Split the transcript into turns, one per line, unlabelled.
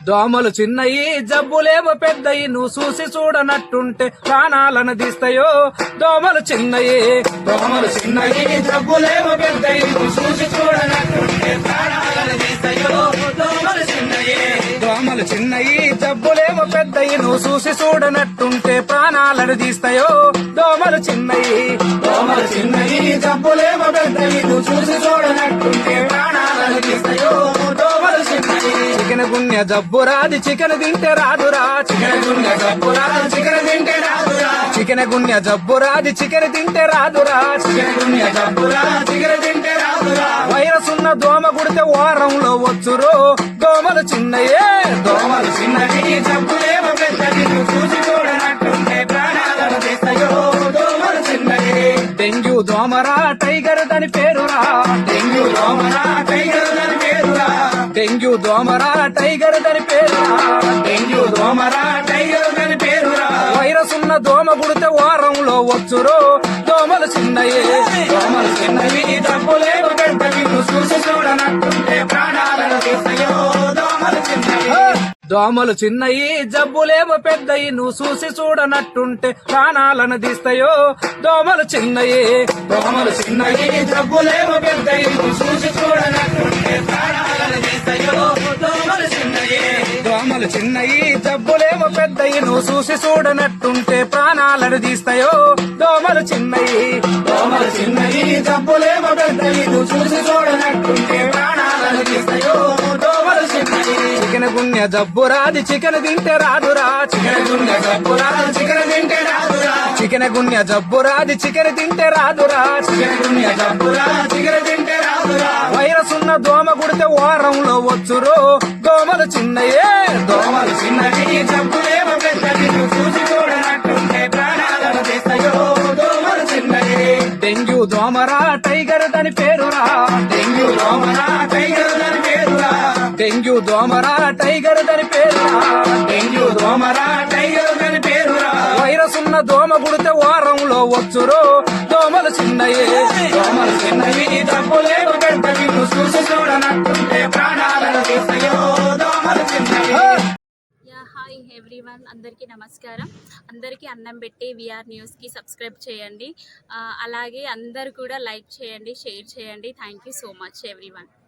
దోమలు చిన్నయి జబ్బులేమో పెద్దయి నువ్వు చూసి చూడనట్టుంటే ప్రాణాలను తీస్తాయో. దోమలు చిన్నయి జబ్బులేమో పెద్దయి నువ్వు చూసి చూడనట్టుంటే ప్రాణాలను తీస్తాయో. దోమలు చిన్నయి జబ్బులేమో పెద్దయి నువ్వు చూసి చూడనట్టుంటే ప్రాణాలను తీస్తాయో. దోమలు చిన్నయి జబ్బులేమో పెద్దయి నువ్వు చూసి చూడనట్టుంటే ప్రాణాలను తీస్తాయో. దోమలు చిన్నయి చికెన్ గున్య జబ్బు రాది చికెన్ తింటే రాదురా. చికెన్ గున్య జబ్బు రాది చికెన్ తింటే రాదురా. చికెన్ గున్య జబ్బు రాది చికెన్ తింటే రాదురా. చికెన్ గున్య జబ్బు రాది చికెన్ తింటే రాదురా. వైరస్ ఉన్న దోమ కుడితే వారంలో వచ్చురో. దోమలు చిన్నయే జబ్బులేమో పెద్దది చూసి చూడనట్టుంటే ప్రాణాలను తీస్తాయో. దోమలు చిన్నయే డెంగ్యూ దోమరా టైగర్ దాని పేరురా. డెంగ్యూ దోమరా టైగర్ దాని పేరురా. డెంగ్యూ దోమరా టైగర్ దాని పేరురా. డెంగ్యూ దోమరా టైగర్ దాని పేరురా. వైరస్ ఉన్న దోమ కుడితే వారంలో వచ్చురో. దోమలు చిన్నయే జబ్బులేమో పెద్దది చూసి చూడనట్టుంటే ప్రాణాలను తీస్తాయో. దోమలు చిన్నయి జబ్బులేమో పెద్దయి నువ్వు చూసి చూడనట్టుంటే ప్రాణాలను తీస్తాయో. దోమలు చిన్నయి జబ్బులేమో పెద్దయి నువ్వు చూసి చూడనట్టుంటే ప్రాణాలను తీస్తాయో. దోమలు చిన్నయి జబ్బులేమో పెద్దయి నువ్వు చూసి చూడనట్టుంటే ప్రాణాలను తీస్తాయో. దోమలు చిన్నయి జబ్బులేమో పెద్దయి నువ్వు చూసి చూడనట్టుంటే ప్రాణాలను తీస్తాయో. దోమలు చిన్నయి చికెన్ గున్య జబ్బు రాది చికెన్ తింటే రాదురా. చికెన్ గున్య జబ్బు రాది చికెన్ తింటే రాదురా. చికెన్ గున్య జబ్బు రాది చికెన్ తింటే రాదురా. చికెన్ గున్య జబ్బు రాది చికెన్ తింటే రాదురా. వైరస్ ఉన్న దోమ కుడితే వారంలో వచ్చురో. దోమలు చిన్నయే జబ్బులేమో పెద్దది చూసి చూడనట్టుంటే ప్రాణాలను తీస్తాయో. దోమలు చిన్నయే డెంగ్యూ దోమరా టైగర్ దాని పేరురా. డెంగ్యూ దోమరా టైగర్ దాని పేరురా. డెంగ్యూ దోమరా టైగర్ దాని పేరురా. డెంగ్యూ దోమరా టైగర్ దాని పేరురా. వైరస్ ఉన్న దోమ కుడితే వారంలో వచ్చురో. దోమలు చిన్నయే జబ్బులేమో పెద్దది చూసి చూడనట్టుంటే ప్రాణాలను తీస్తాయో. దోమలు చిన్నయే.
హాయ్ ఎవ్రీవన్, అందరికీ నమస్కారం. అందరికీ అన్నం పెట్టి విఆర్ న్యూస్కి సబ్స్క్రైబ్ చేయండి. అలాగే అందరు కూడా లైక్ చేయండి, షేర్ చేయండి. Thank you so much everyone.